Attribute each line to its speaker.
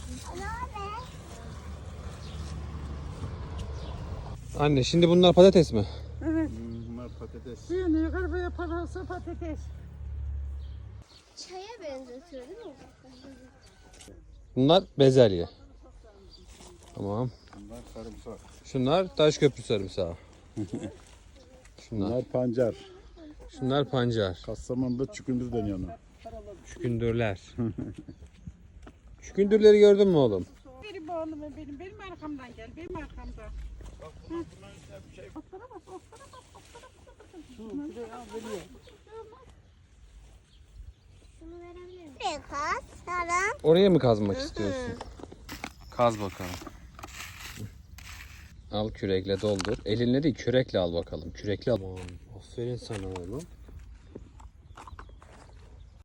Speaker 1: Anne şimdi bunlar patates mi?
Speaker 2: Evet.
Speaker 3: Bunlar patates.
Speaker 2: Yani yukarı yaparsa patates.
Speaker 4: Çaya benzetiyor değil mi?
Speaker 1: Bunlar bezelye. Tamam.
Speaker 3: Bunlar sarımsak.
Speaker 1: Şunlar Taşköprü sarımsağı.
Speaker 3: Bunlar pancar.
Speaker 1: Şunlar pancar.
Speaker 3: Kastamonu'da çükündür deniyor ona.
Speaker 1: Şükündürler. Şükündürleri gördün mü oğlum?
Speaker 2: Benim oğlum benim arkamdan gel. Benim arkamdan.
Speaker 4: Şunu verebilir miyim? Kaz, sarım.
Speaker 1: Oraya mı kazmak istiyorsun? Kaz bakalım. Al kürekle doldur. Elinle değil kürekle al bakalım. Kürekle al. Aman, aferin sana oğlum.